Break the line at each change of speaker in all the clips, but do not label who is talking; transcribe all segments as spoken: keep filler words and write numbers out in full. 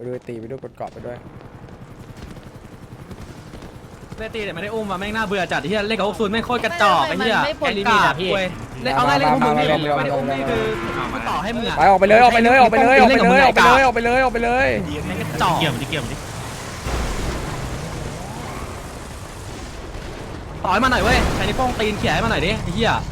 ด้วยตีไปด้วยกดเกาะไปด้วย
เล่นตีแต่ไม่ได้อุ้มมาแม่งน่าเบื่อจัดที่เล่นกับพวกซูนแม่งโคตรกระจอกไอ้เหี้ยแกลิมิตอะพี่เล่นเอาง่ายเล่นพวกมึงนี่ไม่ได้อุ้มนี่คือมันต่อให้มึงอะ
ไปออกไปเลยออกไปเลยออกไปเลยออกไปเลยออกไปเลยออกไปเลยออกไปเลย
แม่งกระจอกเกี่ยวมันดิเกี่ยวมันดิต่อยมาหน่อยเว้ยใช้นิ้วโป้งตีนเขี่ยให้มาหน่อยดิไอ้เหี้ย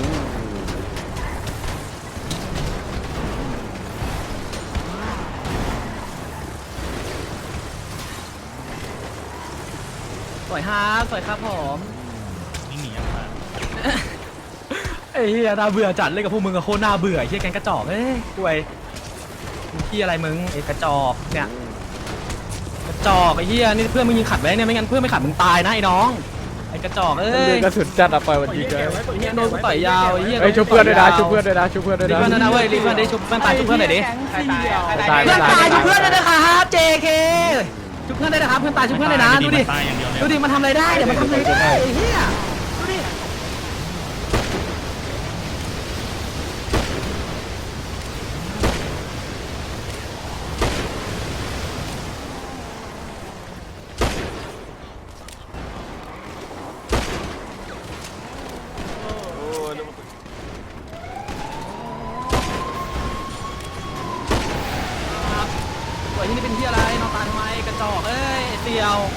สวยฮาสวยครับผมนี่หนียังไงไอ้เหี้ยน่าเบื่อจัดเล่นกับพวกมึงกับโคตรน่าเบื่อไอ้เหี้ยแกงกระจอกเอ้ยกวยที่อะไรมึงไอ้กระจอกเนี่ยกระจอกไอ้เหี้ยนี่เพื่อนมึงยิงขัดไว้เนี่ยไม่งั้นเพื่อนไม่ขัดมึงตายนะไอ้น้องไอ้กระจอกเอ้ย
กระสุนจัดอะไปวันนี้เลย
เหี้ยโดนกูต่อยยาวไอ้เหี้ย
ไอ้ชุบเพื่อนด้วยนะชุบเพื่อนด้วยนะชุบเพื่อนด้วยนะ
รีบเพื่อนนะเว้ยรีบเพื่อนได้ชุบเพื่อนตายชุบเพื่อนหน่อยดิ
ตาย
เพื่อนตายชุบเพื่อนได้นะครับ เจ เค ชุบเพื่อนได้นะครับเพื่อนตายชุบเพื่อนเลยนะดูดิดูดิมันทำอะไรได้เดี๋ยวมันทำอะไรได้ไอ้เหี้ยดูดิสวยที่นี่เป็นที่อะไรนอนตายทำไมกระจอกเอ้ยเตียว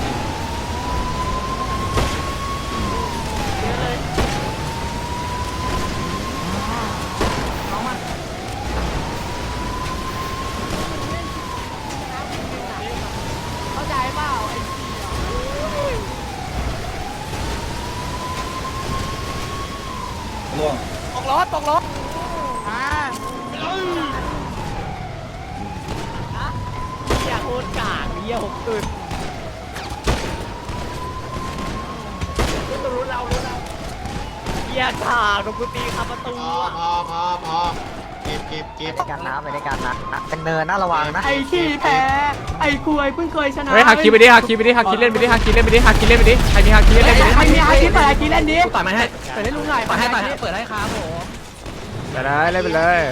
น้องมันเข้าใจเปล่าไอ้ล่วงตกรถตกรถอ่าอย่าโคตรกากเยี่ยหกตื่นรู้เรารู้เราเยี่ยกากโดนกูตีคาประตูพอพอพอเก็บเก็บเก็บ
ไปกันนะไปด้วยกันนะเป็นเนินน่าระวังนะ
ไอ้ขี้แพ้ไอ้ควยเพิ่งเคยชนะ
เฮ้ยฮาคิไปดิฮาคิไปดิฮาคิเล่นไปดิฮาคิเล่นไปดิฮาคิเล่นไปดิใครมีฮาคิเล่นไปดิ
ใครมีฮาคิเปิดฮาคิเล่นดิต่อยมาให้เปิดให้ลุงหน่อยเปิดให้เปิดให้เปิดให้ครับผม
ไปเลยเล่นไปเลย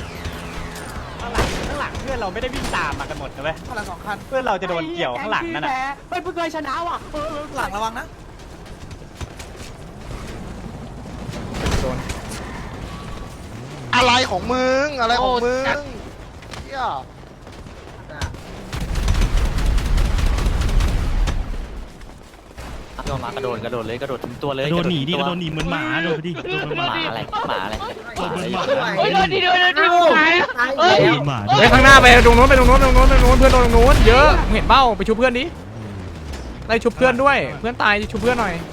ข้างหลังเพื่อนเราไม่ได้วิ่งตามมากันหมดนะเว้ยข้างหลังสองคันเพื่อนเราจะโดนเกี่ยวข้างหลังนั่นน่ะ
เฮ้ยเพิ่งเคยชนะว่ะ
หลังระวังนะ
อะไรของมึงอะไรของมึงเฮีย
โดนมากระโดดกระโดดเลยกระโดดถึงตัวเลย
กระโดดหนีดิกระโดดหนีเหมือนหมาโดดดิ
หมาอะไรหมาอะไร
เฮ้ยโดนดิโดนดิเฮ้ยหมา
เฮ้ยข้างหน้าไปตรงโน้นไปตรงโน้นตรงโน้นตรงโน้นเพื่อนตรงโน้นเยอะเห็นเป้าไปชุบเพื่อนดิไล่ชุบเพื่อนด้วยเพื่อนตายชุบเพื่อนหน่อย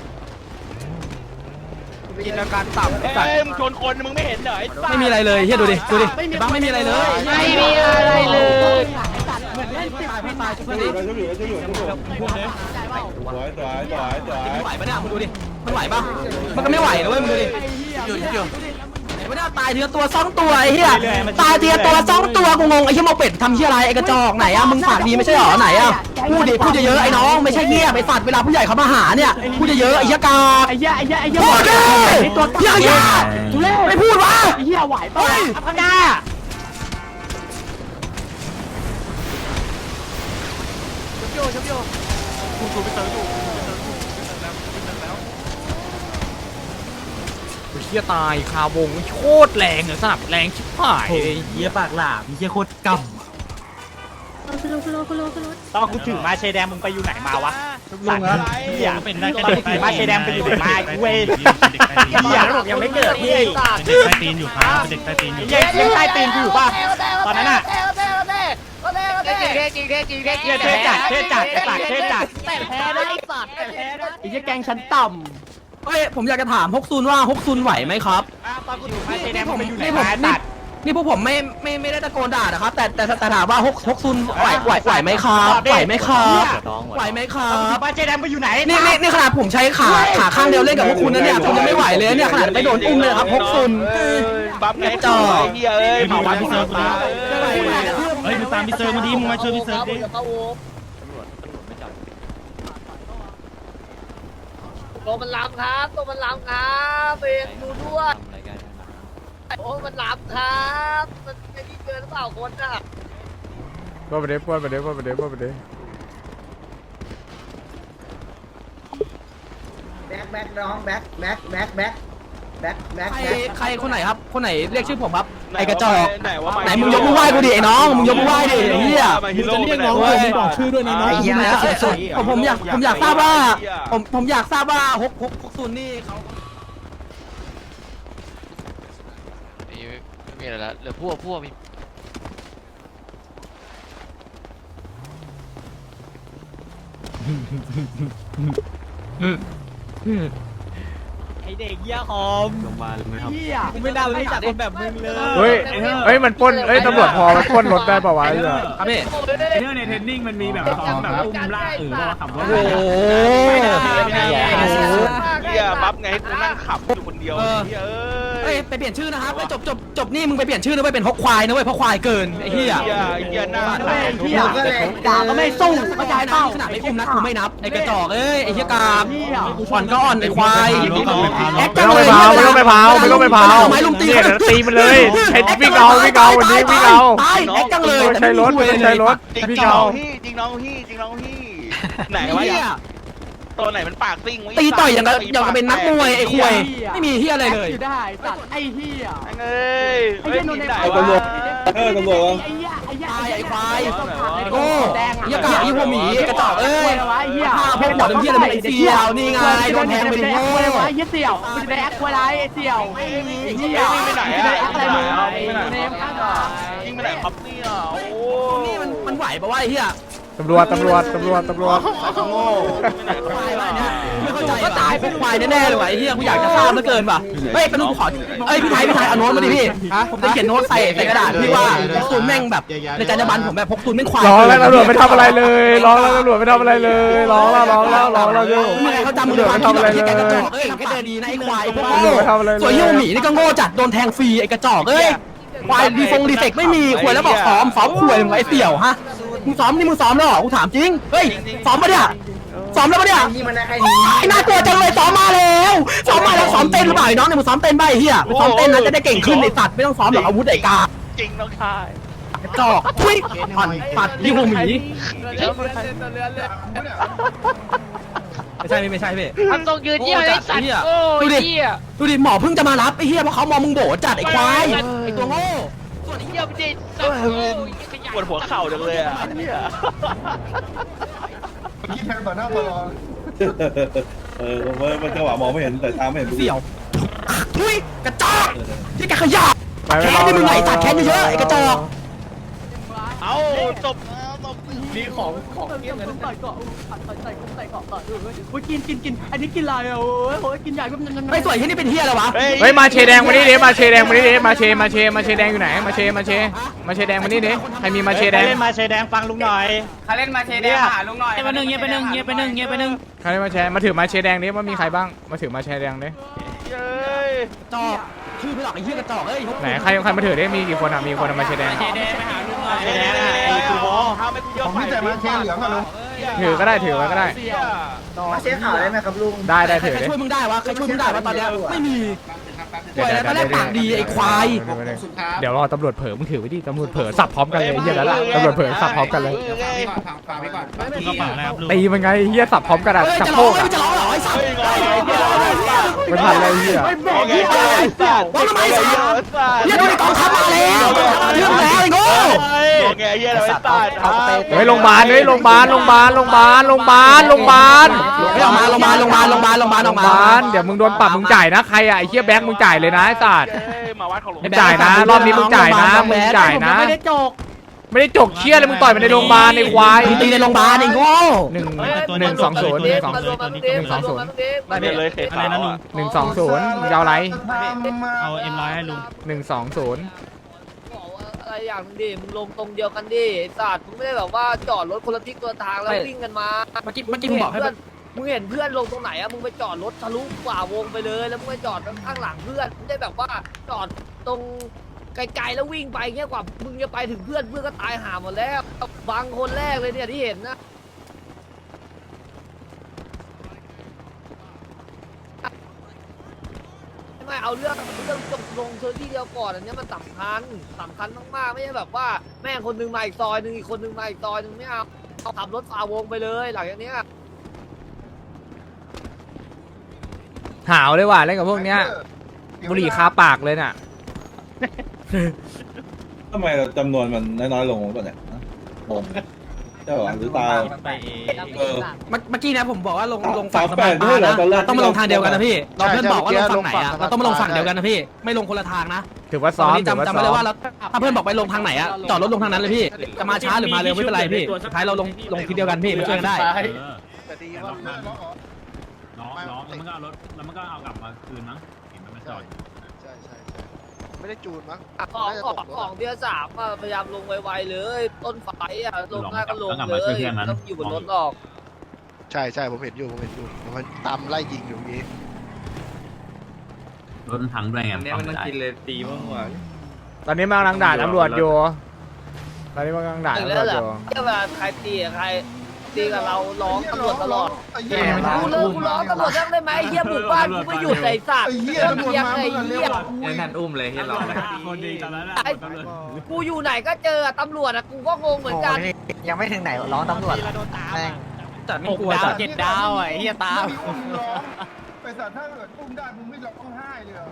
กินอาการต่ำเอ้ยมึงชนคนมึงไม่เห็นเหรอ
ไม่มีอะไรเลยเฮียดูดิดูดิบ้าไม่มีอะไรเลย
ไม่มีอะไรเลย
เหมือนเล่นติดพี่ตายชุบเพื่อนดิชุบอยู่ชุบอยู่ชุบอยู่สวยสวยสวยสวยสวยมันไหวปะเนี่ยมึงดูดิมันไหวปะมันก็ไม่ไหวนะเว้ยมึงดูดิอยู่อยู่ไม่ได้ตายเทียตัวสองตัวไอ้เหี้ยตายเทียตัวสองตัวกูงงไอ้เหี้ยโมเป็ดทำเหี้ยอะไรไอ้กระจอกไหนอะมึงปากดีไม่ใช่หรอไหนอะพูดดิพูดเยอะๆไอ้น้องไม่ใช่เหี้ยไปสัตว์เวลาผู้ใหญ่เขามาหาเนี่ยพูดเยอะๆไอ้เหี้ยกาไอ้เหี้ยไอ้เหี้ยไอ้เหี้ยพูดดิตัวเหี้ยเหี้ยไม่พูดวะไอ้เหี้ยไหวปะข้างหน้าชุบโยชุบโยคุณคุณไปเติมอยู่
เฮียตายคาวงโคตรแรงเลยสนับแรงชิบหาย
เฮียปากหลาบเฮียโคตรกำ
ตอนกูถือมาเชแดงมึงไปอยู่ไหนมาวะสัตว์เหี้ยเป็นได้แค่เด็กมาเชแดงไปอยู่ไหนมาเว้ยเหี้ยแล้วบอกยังไม่เกิดพี่
เด็กใต้ตีนอยู่ครับเด็กใต้ตีนอยู่
ยังยังใต้ตีนอยู่ป่ะตอนนั้นน่ะ
จริงจริงจริงจริงจริง
เทจัดเทจัดสัตว์เทจัด
แต่แพ้ได้สัตว์แต่แพ้ได้
ไอ้เหี้ยแกงชั้นต่ำเฮ้ยผมอยากจะถามฮกซุนว่าฮกซุนไหวไหมครับ
นี่ผม
นี่ผมนี่นี่พวกผมไม่ไม่ไม่ได้ตะโกนด่านะครับแต่แต่แต่ถามว่าฮกฮกซุนไหวไหวไหวไหมครับไหวไหมครับไหวไหมครับ
มาเจแดงไปอยู่ไหน
นี่นี่นี่ขนาดผมใช้ขาขาข้างเดียวเล่นกับพวกคุณนะเนี่ยคุณยังไม่ไหวเลยเนี่ยขนาดไม่โดนอุ้มเลยครับฮกซุน
ปั๊บไงจ่อเฮียเอ้ย
มาวัดพี่เซิร์ฟดิเฮ้ยมึงตามพี่เซิร์ฟมาดิมึงมาช่วยพี่เซิร์ฟดิ
ตัวมันล้ำครับตัวมันล้ำครับเองดูด้วยโอ้มันล้ำครับมันไม่ดีเกินหรือเปล่าคนน่ะ
ปล้นไปเด้ปล้นไปเด้ปล้นไปเด้ปล้นไปเด้
แบ็คแบ็คน้องแบ็คแบ็คแบ็คแบ็คแบ็คแบ็ค
ใคร
แบ็ค
ใครคนไหนครับคนไหนเรียกชื่อผมครับไอ้กระจอก
ไหนว่า
ไหนมึงยกมือไหว้กูดิไอ้น้องมึงยกมือไหว้ดิไอ้เหี้ย
มึงจะเรียกน้องกูบอกชื่อด้วยนะน้อง
ไอ้เหี้ยผมผมอยากผมอยากทราบว่าผมผมอยากทราบว่าฮกฮกฮกซุนนี่เขา
ไม่มีอะไรแล้วเหลือพวกพวกมี
ไอเด็กเหี้ยหอมลงมาเลยไหมครับเหี้ยกูไม่น่ารู้จักคนแบบมึงเลย
เฮ้ยเฮ้ยมันปล้นเฮ้ยตำรวจพอมันปล้นรถได้ป่าวะไอ้เหี้ย
ครับพี่
เรื่องในเทรนนิ่งมันมีแบบซ้อมแบบอุ้มลากเออว่าขับรถ
โอ้โห
เฮียบัฟไงให้กูนั่งขับอยู่คนเดียวเฮียเอ้
เฮ้ย
ย
ไปเปลี่ยนชื่อนะครับไปจบจบจบนี่มึงไปเปลี่ยนชื่อนะเว้ยเป็นฮกควายนะเว้ยเพราะควายเกินไอ้เหี้ย
เฮียเฮียหน้าตา
เหี้ยก็เลย
ด่าก็ไม่สู้เข้าใจนะขนาดไม่อุ้มนะกูไม่นับไอ้กระจอกเอ้ยไอ้เหี้ยกามอ่อนก็อ่อนไอ้ควายแอค
ไม่
จัง
ต้อง
เล
ไป
ย
เผาไม่ต้องไปเผาไม่ต้องไปเผา
ไม้ลุมตี
เนี่ยเดี๋ยวตีมันเลยใช้วิ่งเอาวิ่งเอาวันนี้วิ่งเอา
ตายแอคจังเลย
ใช้รถไม่ต้องใช้รถ
จริง
วิ่ง
น้อ
เอา
งพี่จริงน้องพี่จริงน้องพี่ไหน
ไอ้
วะ
เหี้ย
ตัวไหนมันปากซิ่ง
ตีต่อยอย่างกับอย่างกับเป็นนักมวยไอ้ควายไม่มีเหี้ยอะไรเลย
เอ้ยเฮ้ยที่ไหนวะ
เออตำรวจ
ตายไอ้ควายโอ้เหี้ยกายี่หัวหมีกระจอกเอ้ยฆ่าพวกหัวดำเหี้ยอะไรไอ้เสี่ยวนี่ไงโดนแทงไปดิโง่
เสี่ยวไม่ได้แอคอะไรเสี่ยวเฮียไปไหนอะไปไหนอะไปไหนยิงไปไหนครับเนี่ยโอ้
นี่มันมันไหวปะวะไอ้เหี้ย
ตำรวจตำรวจตำรวจตำรวจ
โง่
ควายวะเนี่ยไม่เข้าใจก็ตายพวกควายแน่ๆเลยว่ะไอ้เหี้ยกูอยากจะทราบเหลือเกินว่ะเฮ้ยเป็นลูกขอเอ้ยพี่ไทยพี่ไทยเอาโน้ตมาดิพี่ผมจะเขียนโน้ตใส่ใส่กระดาษพี่ว่าพกตุนแม่งแบบในจรรยาบรรณผมแบบพกตุนแม่งควาย
ร้องแล้วตำรวจไม่ทำอะไรเลยร้องแล้วตำรวจไม่ทำอะไรเลยร้องแล้วร้องแล้วร้องแล้วเยอะ
มึงไงเขาจำมึง
ตำรวจ
ควา
ไม่
ม
ทำอะไร
คิด
เล
แบบ
ย
ไอ้กระจอกเอ้ยแค่เดินดีนะไอ้ควายพวก
ตำรวจไม่ทำอะไรเลย
ส่วนยี่ห้อหมีนี่ก็โง่จัดโดนแทงฟรีไอ้กระจอกเอ้ยควายดีฟงดีเฟกไม่มีควายแล้วบอกซ้อมซ้อมควายมึงไอ้เสี่ยวฮะมึงซ้อมนี่มึงซ้อมแล้วเหรอกูถามจริงเฮ้ยซ้อมปะเนี่ยซ้อมแล้วปะเนี่ย
นี่มันได้แค่นี้
ไอ้น่ากลัวจังเลยซ้อมมาแล้วซ้อมมาแล้วซ้อมเต้นหรือเปล่าไอ้น้องเนี่ยมึงซ้อมเต้นใบเฮียไปซ้อมเต้นนะจะได้เก่งขึ้นไอ้สัตว์ไม่ต้องซ้อมหรอกอาวุธไอ้กา
จริงน้องชาย
กระจอกทุยผ่อนปัดยี่ห้อหมีไม่ใช่ไม่ใช่พี่
ทำตรงยืนเยี่ยไอ้สัตว์โอ้ยเยี่ย
ดูดิหมอเพิ่งจะมารับไอ้เฮียเพราะเขามองมึงโบจัดไอ้ควายไอ้ตัวโง่
ส่วนไอ้เยี่ยไม่ได้สัตว์โอ้ยขยะ
ปวดหัวเข่าจังเลยอ่ะเนี่ย
เออมันมันจังหวะมองไม่เห็นแต่ตาไม่เห็น
เสี่ยวทุยกระจอกที่แกขยะ
ไปไม่
แค้
รอน
นี่มึงไงสัตว์แค้นเยอะๆไอ้กระจอก
เอาจบจบ
มีของของเกี่ยงกันใส่เกาะใส่ใส่เกาะต่อด้วยโอ้ยกินกินกินอันนี้กินอะไรอ่ะโอ้ยโอ้ยกินใหญ่ก็มัน
ไม่สวยที่นี่เป็นเฮียอะไรวะ
เฮ้ยมาเชแดงมานี่ดิมาเชแดงมานี่ดิมาเชมาเชมาเชแดงอยู่ไหนมาเชมาเชมาเชแดงมานี่ดิใครมีมาเชแดง
เล่นมาเชแดงฟังลุงหน่อย
ใครเล่นมาเชแดงหาลุงหน่อย
เงียบไปหนึ่งเงียบไปหนึ่งเงียบไปหนึ่งเงียบไปหนึ่ง
ใครมาแชร์มาถือมาเชแดงดิว่ามีใครบ้างมาถือมาเชแดงดิ
เย้ย
จอกชื่อพี่หลอกไอ้เหี้ยกระจอกเอ้ย
ไหนใครใครมาถือดิมีกี่คนอ่ะมีคนเอามาเชแดง
เชแดงไปหาลุงหน่อย
เย้ไอ้คือโม่ห้ามไม่กูเยอะไปมาเชเหลืองอะลุง
ถือก็ได้ถือไว้ก็ได้
มาเช็คข่าวได้ไหมครับลุง
ได้ได้ถือ
ใคร
ดิ
ช่วยมึงได้วะใครช่วยมึงได้วะตอนเนี้ยไม่มี
เดี๋ยวเดี๋ยว
ตอนแรกปากดีไอ้ควาย
เดี๋ยวรอตำรวจเผลอมึงถือไว้ดิตำรวจเผลอสับพร้อมกันเลยเฮียแล้วล่ะตำรวจเผลอสับพร้อมกันเลย
กระเป๋าอะไรครับลุง
ตีมันไงเฮียสับพร้อมกันอ่ะ
เฮ้ย
สับ
จะ
โค
ร้อง
ก
ไม่
อ่ะ
จะร้องเหรอไอ้สัตว์
ไม่ทันเลยเฮีย
โอเคสัตว์
ว่าทำไมสัตว์เฮียโดนไอ้กองทัพมาแล้วกองทัพมาเรื่องแล้วไอ้โง่
โอเคเย้เราไอ้สัตว์
เฮ้ยโรงพยาบาลเฮ้ยโรงพยาบาลโรงพยาบาลโรงพยาบาลโรงพยาบาลโรงพยาบาล
เฮ้ยออกมาโรงพยาบาลโรงพยาบาลโรงพยาบาลโรงพยาบาลออกมา
บ้านเดี๋ยวมึงโดนปรับมึงจ่ายนะใครอ่ะไอ้เหี้ยแบงค์มึงจ่ายเลยนะไอ้สัตว์
มาวัดของหลวง
มึงจ่ายนะรอบนี้มึงจ่ายนะมึงจ่ายนะ
ไม่ได้จก
ไม่ได้จกเชี่ยเลยมึงต่อยมันในโรงพยาบาลในควาย
มึงตีในโรงพยาบาลไอ้โง่
หนึ่งหนึ่งสองศูนย์หนึ่งสองศูนย์
ได้เลยเคส
อะไรนะลุง
หนึ่งสองศูนย์มึงจะเอาอะไร
เอาเอ็มร้อยให้ลุง
หนึ่งสองศูนย์
บอกว่าอะไรอย่างนึงดิมึงลงตรงเดียวกันดิไอ้สัตว์มึงไม่ได้แบบว่าจอดรถคนละทิศคนละทางแล้ววิ่งกันมา
เมื่อกี้เมื่อกี้มึงบอกให้
เพื่อนมึงเห็นเพื่อนลงตรงไหนอะมึงไปจอดรถทะลุกว่าวงไปเลย แล้วมึงไปจอดข้างหลังเพื่อนไม่ได้แบบว่าจอดตรงไกลๆแล้ววิ่งไปเงี้ยกว่ามึงจะไปถึงเพื่อนเพื่อนก็ตายห่าหมดแล้วบางคนแรกเลยเนี่ยที่เห็นนะใช่ไหมไม่เอาเรื่องเรื่องจบลงเธอที่เดียวก่อนอันนี้มันสำคัญสำคัญมากๆไม่ใช่แบบว่าแม่งคนนึงมาอีกซอยนึงอีกคนนึงมาอีกซอยนึงไม่เอาเอาขับรถฝ่าวงไปเลยหลังจากเนี้ย
หาวเลยว่ะเล่นกับพวกเนี้ยบุหรี่คาปากเลยน่ะ
ทำไมจำนวนมันน้อยๆลงก่อนเนี่ยงงใช่หรอหรือตาเออ
เมื่อกี้นะผมบอกว่าลงลง
สา
ฝั่
ม
งสะ
แป
พาน
ด
ป
ด้วยเหรอ
ลา
ตอนแรก
นะต้องมาลงทางเดียวกันนะพี่เราเพื่อนบอกว่าลงฝั่งไหนอะเราต้องมาลงฝั่งเดียวกันนะพี่ไม่ลงคนละทางนะ
ถือว่าซ้อม
จำจำไว้เลยว่าเราถ้าเพื่อนบอกไปลงทางไหนอะจอดรถลงทางนั้นเลยพี่จะมาช้าหรือมาเร็วไม่เป็นไรพี่สุดท้ายเราลงลงทีเดียวกันพี่มันช่วยกันได้
แต่ดีว่าเลิกแล้วเหรอ
น้องน้องแล้วมันก็เอารถแล้วมันก็เอากลับมาคืนมั้งเห็นมันมาจอด
ใช่ใช่ใช่ไม่ได้จูนมั้ง
ของ
น่าจะ
ข
ต
อง
กรถ
ของเบียร์สามอะพยายามลงไวๆเลย ต้นไฟอ่ะลงได้ก็ลงเลยต้องอยู่บนรถหรอก
ใช่ใช่ผมเห็นอยู่ผมเห็นอยู่มันตามไล่ยิงอยู่นี้
รถมันพังด้วยไง
เนี่ยมันต้องกินเลยตีบ้างวะ
ตอนนี้มันกำลังด่าตำรวจอยู่ตอนนี้มันกำลังด่า
ถึง
ตำร
แล้ว วเหร
จอ
อยู่ เวลาใครตีกับใครตีกับเราร้องตำรวจตลอดกูเลิกกูร้องตำรวจยังได้ไหมเฮียบุกบ้านกูไม่หยุดไอ้สัตว์เฮียตำรวจมาไอ้เฮีย
นั่นอุ้มเลยให้เรา
คนดีตอนนั้น
กูอยู่ไหนก็เจอตำรวจอะกูก็งงเหมือนกัน
ยังไม่ถึงไหนร้องตำรวจแม่ง
จัดไม่กลัวจัดเจ็ดดาวไอ้เฮียตาม
ไปสัตว์ถ้าเกิดอุ้มได้มึงไม่ร้องไห้เลยเหรอ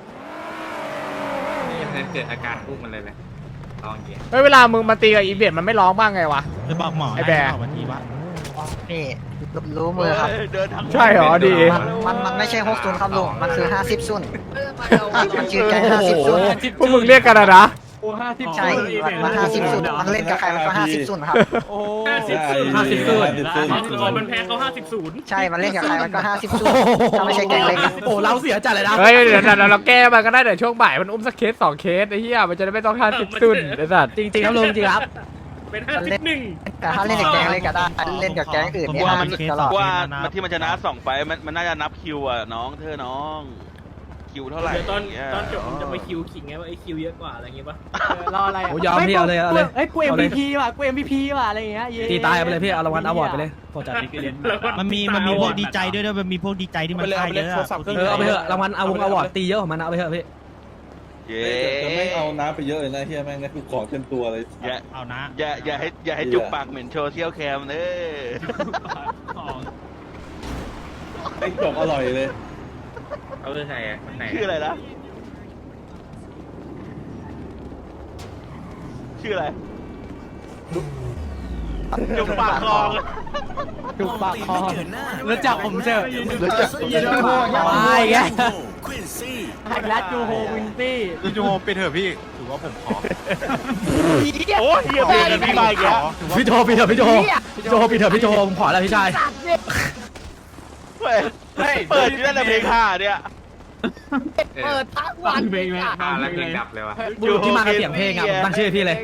เกิดอาการอุ้มมันเลยเลยลองเกียร์
เฮ้ยเวลามึงมาตีกับอีเบียดมันไม่ร้องบ้างไงวะ
ไปบอกหมอ
ไอ้แบร์
นี่รู้มือครับ
ใช่เหรอดี
มันมันไม่ใช่หกศูนย์ครับลุงมันคือห้าสิบซุน
ไม่
มันชื่อแกง
โอ้
ห้า
โห
สิบซุน
พวกมึงเรียกกันอะนะ
ใช่มันห้าสิบซุนมันเล่นกับใครมันก็ห้าสิบซุนครับ
ห้าสิบศูนย์ห้าสิบศูนย์
มันแพ้เขาห้าสิบศูนย์
ใช่มันเล่นกับใครมันก็ห้าสิบซุนถ้าไม่ใช่แกงเล็กอะ
โอ้เราเสียจัดเลยนะ
เฮ้ยเดี๋ยวเราเราแก้มันก็ได้เดี๋ยวช่วงบ่ายมันอุ้มสักเคสสองเคสไอ้เหี้ยมันจะได้ไม่ต้องค่าสิบซุนไอ้สัตว์
จริงๆครับลุงจริงครับ
เป็นห้าสิบหนึ่ง
แต่ถ้าเล่นกับแกงเล็กก็ได้เล่นกับแกงอื่นเนี่ยห้าสิบตลอด
ว่ามันที่มันชนะสองไฟล์มันมันน่าจะนับคิวอ่ะน้องเธอน้องคิวเท่าไหร่ตอนตอนจบมันจะไปคิวขิงไงว่าไอ้คิวเยอะกว่าอะไรเงี้ยปะ
รออะไร
โอ้ยอมพี่เอาเลยเอาเลย
เฮ้ยกู เอ็ม วี พี ว่ะกู เอ็ม วี พี ว่ะอะไรอย่างเงี้ย
ตีตายไปเลยพี่เอารางวัลอวอร์ดไปเลยโปรจัด
มันมีมันมีพวกดีใจด้วยด้วยมันมีพวกดีใจที่มันค่ายเยอะ
เออเอาไปเถอะรางวัลเอาวงอวอร์ดตีเยอะของมันเอาไปเถอะพี่
เย้
จะไม่เอาน้ำไปเยอะเลยนะเฮียแม่งนะกูขอเต็มตัวเลย
อย่า
เอานะ
อย่าอย่าให้อย่าให้จุกปากเหม็นโชว์เที่ยวแคมเด้อ
ไอ้จกอร่อยเลย
เอาเรื่องไหนอ่ะไหน
ชื่ออะไรนะชื่ออะไรจุกปากคลอง
จุกปากคอ
รู้จักผมเจอ
แล้วจะ
มาอีกแล้ว
ไฮรัสจูโฮวินตี้
จูโฮไปเถอะพี่ถือว่าผมขอ
โอ้ยเฮียเพลงกันพี่มาอีกแล้ว
พี่โจพี่เถอะพี่โจพี่โจพี่เถอะพี่โจผมขอแล้วพี่ชาย
เปิดเปิดที่นั่นนะเพลงห้าเนี่ย
เปิดทั้งวัน
เพลงไหม
อ่าแล้วเพลงดับเลยวะ
บุรุษที่มากับเสียงเพลงอ่ะผมตั้งชื่อพี่เลย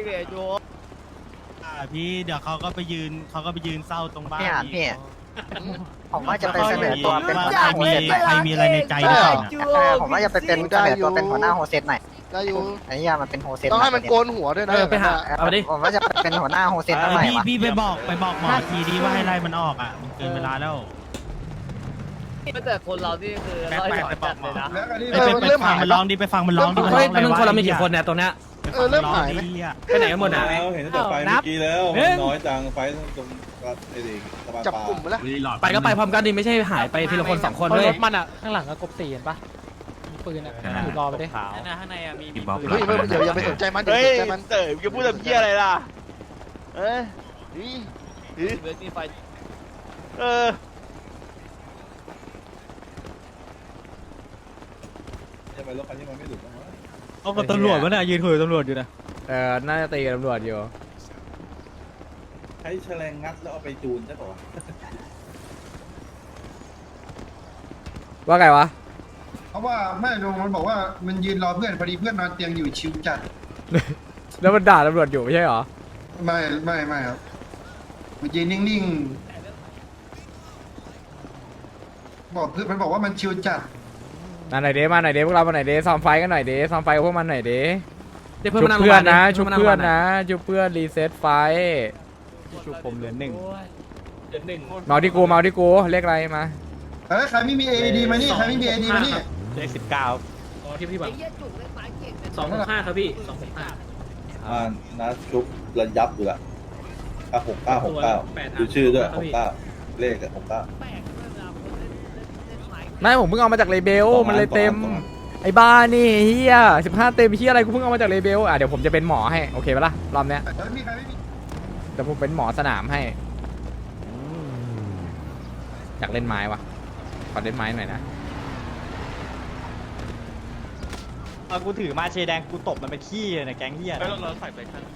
พี่เดี๋ยวเขาก็ไปยืนเขาก็ไปยืนเศร้าตรงบ้าน
พี่อ่านพี่ผมว่าจะไปเสนอตัวเป็นหัวห
ใคร
น้าโฮ
มี
เซตหน่อย
ใครมีอะไรในใจหรือเปล่า
เออผมว่าจะไปเป็นเสนอตัวเป็นหัวหน้าโฮเซตหน่อย
ได้อยู่
ไอ้เหี้ยมันเป็นโฮเซต
ต้องให้มันโกนหัวด้วยนะ
เออไปหา เอาดิ
ผมว่าจะเป็นหัวหน้าโฮเซตหน่อย
พี่
วะ
พี่ไปบอกไปบอกหมอทีดีว่าให้ไล่มันออกอ่ะมันเกินเวลาแล้ว
แต่คนเรานี่คือร้อยถอยจัดเลยนะ
แล้วอันนี้
ไปไปไปฟังมันร้องดิไปฟังมันร้องดิ
เฮ้ยมันคนเรามีกี่คนเนี่ยตัวเนี้ย
เออเริ่มหายไหม
ไปไหนกันหมดอ่ะ
แล้วเห็นตั้งแต่ไฟเมื่อกี้แล้วมันน้อยจังไฟตรงไอ้เด็กสะพาน
จับ
ปลาก
ลุ่มไปแล้ว
ไปก็ไปพร้อมกันดิไม่ใช่หายไปทีละคนสองคนด้วย
รถมันอ่ะข้างหลังก็กบตีเห็นปะมีปืนอ่ะอยู่รอไปดิ
ข้างในอ่ะมี
เฮ้ยเดี๋ยวอย่าไปสนใจมันอย่า
เฮ้
ไป
ย
สนใจมัน
เต๋อจะพูดแบบเพี้ยอะไรล่ะเอ้ยนี่นี่
เวทีไฟ
เออ
ทำไมรถคันนี้มันไม่หลุดบ้างวะ
เอากับตำรวจวะเนี่ยยืนคุยกับตำรวจอยู่นะ
เออน่าจะตีกับตำรวจอยู่
ใช้แฉลงงัดแล้วเอาไปจูนใช่ป่าวะ
ว่าไงวะ
เพราะว่าแม่ลุงมันบอกว่ามันยืนรอเพื่อนพอดีเพื่อนนอนเตียงอยู่ชิวจัด
แล้วมันด่าตำรวจอยู่ไม่ใช่เหรอ
ไม่ไม่ไม่ครับมันยืนนิ่งๆบอกเพื่อนมันบอกว่ามันชิวจัด
มาหน่อยเด้มาหน่อยเด้พวกเรามาหน่อยเด้ซ้อมไฟกันหน่อยเด้ซ้อมไฟกับพวกมันหน่อยเด้
เดี๋ยว
ชุ
เพื่อน
บ
มานั่ง
เพื่อนนะ
โรงพยาบาล
ชุบเพื่อนนะชุบเพื่อนรีเซ็ตไฟ
ชุบผมเหลือหนึ่ง
เมาที่กูเมาที่กูเรียกอะไรมา
เอ้ยใครไม่มี เอ ดี มานี่ใครไม่มี เอ ดี มานี่
เลขสิบเก้า
ที่พี่บั
ไอ้
ง
เหี้ยจุกเล่นไม้เก่งเป็น
สองหกห้าครับพี่สองหกห้า
อ่านัดชุบระยับอยู่ละเก้าหกเก้าหกเก้าดูชื่อด้วยหกเก้าเลขอะหกเก้า
แปลกด้วยเวลาคนเล่นเล่นเล่นไม้
ไม่ผมเพิ่งเอามาจากเลเบล
สองล้าน
มันเลยเต็ม
สองล้าน
ไอ้บ้านี่เฮียสิบห้าเต็มเฮียอะไรกูเพิ่งเอามาจากเลเบลอ่ะเดี๋ยวผมจะเป็นหมอให้โอเคปะล่ะรอบเนี้ย
เฮ้ยมีใครไม่มี
เดี๋ยวผมเป็นหมอสนามให้อยากเล่นไม้วะขอเล่นไม้หน่อยนะ
เอากูถือมาเชแดงกูตบมันไปขี้เลยนะแก๊งเหี้ย
เราเราใส่ไปทัน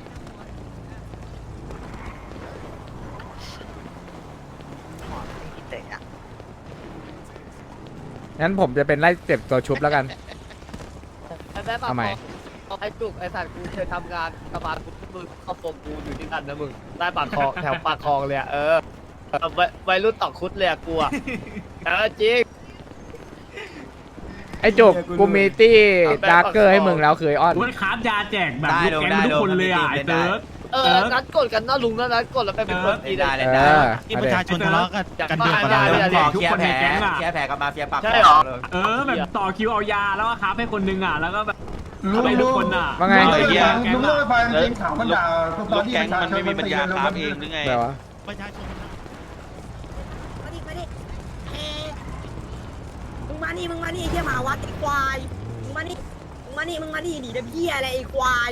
งั้นผมจะเป็นไล่เจ็บตัวชุบแล้วกัน
ไอ้แม่ปาก
ทำไม
คอไอ้จุกไอ้สัตว์กูเคยทำงานกระบาลกูมึงเข้าปมกูอยู่ที่นั่นนะมึงได้ปากคลองแถวปากคลองเลยอะเออไววัยรุ่นต่อคุดเลยอะกูอะเออจริง
ไอ้จุกกูมีตี้ดาร์เกอร์ให้มึงแล้วเคยอ้อน
กูคราฟยาแจกแบบลูกแก๊งทุกคนเลยอ่ะไอ้เติร์ด
เออนัดกดกันนะลุงนะนัดกดแล้วไปเป็นคนดีได้
เออ
ที่ประชาชนทะเลาะกัน
กันเดือดกันได้เลย
ทุกคนในแก๊งอ่ะ
แพ้กับมาเฟียปาก
ใช่หรอ
เออแบบต่อคิวเอายาแล้วก็คราฟให้คนนึงอ่ะแล้วก็แบบ
ลุง
ไปทุ
ลุ
ก
ง
คนอ่ะ
ว่าไง
ลุงเล่าไปมันจริงข่าวมันด่าต
ลู
อน
ก
ที่
แก๊ง
ประชา
มัน
ชน
ไม่มีปัญญา
มัน
คราฟ
ตี
เอ
กั
งหรือไง
แต่วะ
ประชาชน
มาดิมาดิเอ๊ะมึงมานี่มึงมานี่ไอ้เหี้ยหมาวัดไอ้ควายมึงมานี่มึงมานี่มึงมานี่หนีน้ำเหี้ยอะไรไอ้ควาย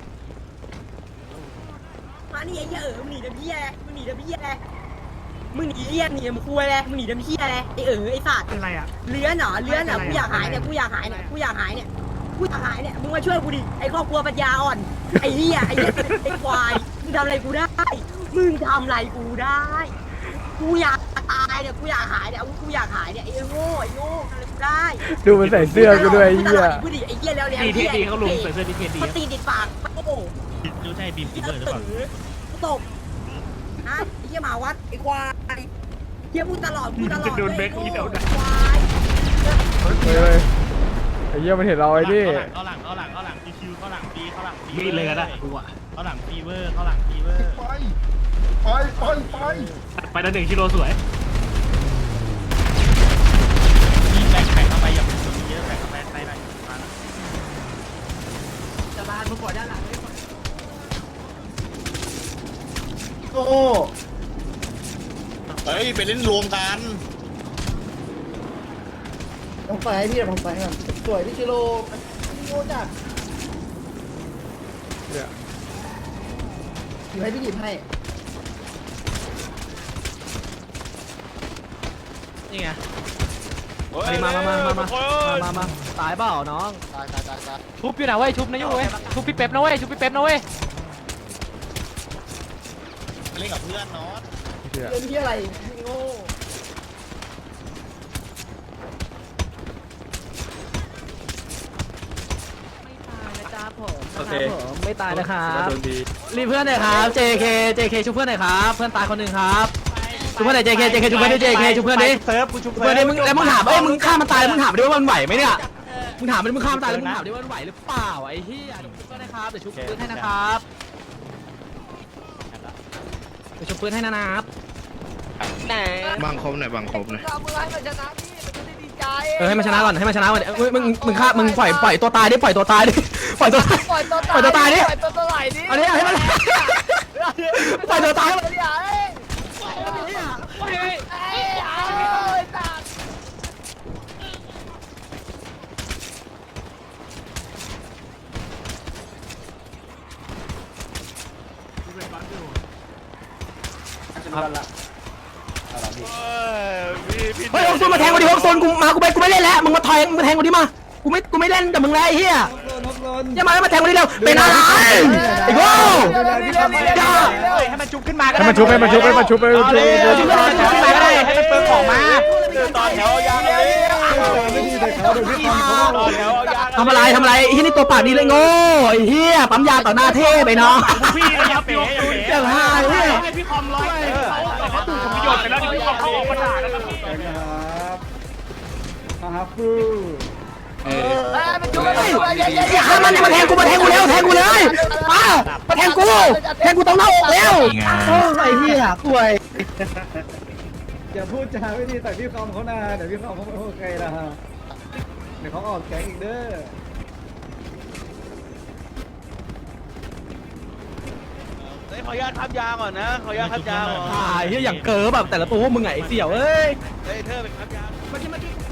มานี่ไอ้เหี้ยเออมึงหนีน้ำเหี้ยอะไรมึงหนีน้ำเหี้ยอะไรมึงหนีเหี้ยหนีน้ำคุยอะไรมึงหนีน้ำเหี้ยอะไรไอ้เออไอ้สัตว์
เป็นไรอ่ะ
เลื้อนเหรอเลื้อนเหรอกูอยากหายเนี่ยกูอยากหายเนี่ยกูอยากหายเนี่ยกูอยากหายเนี่ยมึงมาช่วยกูดิไอ้ครอบครัวปัญญาอ่อนไอ้เหี้ยไอ้เหี้ยไอ้ควายมึงทำอะไรกูได้มึงทำอะไรกูได้ กูอยากตายเนี่ยกูอยากหายเนี่ยกูอยากหายเนี่ยไอ้โง่ไอ้โง่ทำอะไรกูได้
ดูมันใส่เสื้อกูด้วยไอ้เหี้ย
พูดดิไอ้เหี้ยแล้วแล้ว
ดีเทดีเขาลงใส่เสื้อดีเทดี
เขาตีติดปากโอ้โห
ดูใช่บีมฟีเวอร์หรือเปล่า
กูตบนะไอ้เหี้ยหมาวัดไอ้ควายเหี้ยพูดตลอดพูดตลอดไอ้โง่ควาย
เฮ้ยไอ้เหี้ยมันเห็นเราไอ้นี่
เข้าหลังเข้าหลังเข้าหลังคิวเข้าหลังปีเข้าหลังปี
มีเลยก็ได้กูอ่ะ
เข้าหลังฟีเวอร์เข้าหลังฟีเวอร์
ไปไปไปไป
ไปแล้วหนึ่งกิโลสวย
ยิงแบกแข่งเข้าไปอย่าเป็นคนเยอะแข่งเข้าไปใต้หน่อยมา
จะบานมึงกดด้านหลังไม่กด
โอ้เฮ้ยไปเล่นรวมกัน
ผมไปพี่ผมไปครับสวยพี่ชิโร่พี่โง่จัดอยู่ให้พี่หยิบให้
นี่ไง
มามามามามา
มามาตายเปล่าน้อง
ตายตายตายตาย
ชุบอยู่นะเว้ยชุบนะยูเว้ยชุบพี่เป๊ปนะเว้ยชุบพี่เป๊ปนะเว้ย
เล่นกับเพื่อนเนาะ
เหี้ย
เรื่องที่อะไรโง่
โอเคไม่ตายนะครับรีเพื่อนหน่อยครับ เจ เค เจ เค ชุบเพื่อนหน่อยครับเพื่อนตายคนหนึ่งครับชุบเพื่อนหน่อย เจ เค เจ เค ชุบเพื่อนดิ เจ เค ชุบเพื่อนดิ
เซิร์ฟกูชุบ
เพื่อนดิมึงแล้วมึงถามเอ้ยมึงฆ่ามันตายมึงถามดิว่ามันไหวไหมเนี่ยมึงถามมันมึงฆ่ามันตายแล้วมึงถามดิว่ามันไหวหรือเปล่าไอ้เหี้ยชุบเพื่อนนะครับเดี๋ยวชุบปืนให้นะครับเดี๋ยวชุบปืนให้นะครับแหน
บางคมหน่อยบางคมหน่อย
เราเมื่อให้มันชนะพี่มันจะได้ดีใจ
เออให้มันชนะก่อนให้มันชนะก่อนเอ้ยมึงมึงฆ่ามึงปล่อยปล่อยตัวตายดิปล่อยตัวตายดิปล่อยตัวตาย
ปล่อยตัว
ปล่อยตัวตายดิ
ปล่อยตัวไหลดิ
เอาดิเอาให้มันปล่อยตัวตายให้มัน
เดี๋ยวเอ้ยเอ้ยเอ้ยเอาไอ้สัตว์
เฮ้ยฮกซุนมาแทงกูดิฮกซุนกูมากูไม่กูไม่เล่นแล้วมึงมาแทงมึงมาแทงกูดิมากูไม่กูไม่เล่นกับมึงแล้วไอ้เหี้ยอย่ามาให้มาแทงกูดิเร็วเป็นอะไรไอ้โง่อย่า
ให้มันชุบขึ้นมาก็
ให้
ได้
มันชุบให้มันชุบให้มันชุบให้มันชุบ
เอาเลยชุบขึ้นมาก็ได้ให้มันเปิงของมา
ต่อแถวยางเลยต่อแถวยาง
ทำอะไรทำอะไรไอ้เหี้ยนี่ตัวปากดีเลยโง่ไอ้เหี้ยปั๊มยาต่อหน้าเทพไปน้อง
พี่อย่าเป๋อย่าเป๋
เจ้าหายเว้ย
ให้พี่คอมร้อยเขาเขาถูกประโยชน์ไปแล้วพี่คอมเขาออกมาด่าแล้วครับพี่
เอ้ยมันชุบมันชุบมันเย้เย้
อย่าฆ่ามันอย่ามาแทงกูมาแทงกูเร็วแทงกูเลยมามาแทงกูแทงกูตรงหน้าอกเร็วโอ้ไอ้เหี้ยป่วย
อย่าพูดจาไม่ดีแต่พี่คอมเขานาแต่พี่คอมเขาไม่โอเคนะฮะเดี๋ยวเขาออกแก๊งอีกเด้อ
เฮ้ยขออนุญาตทับยาก่อนนะขออนุญาตทับยาก่อน
อ่าเฮียอย่างเกิร์แบบแต่ละตัวพวกมึงไงไอ้เสี่ยวเอ้ย
เฮ้ยเธอเป็นทับยา
เมื่อกี้เมื่อกี้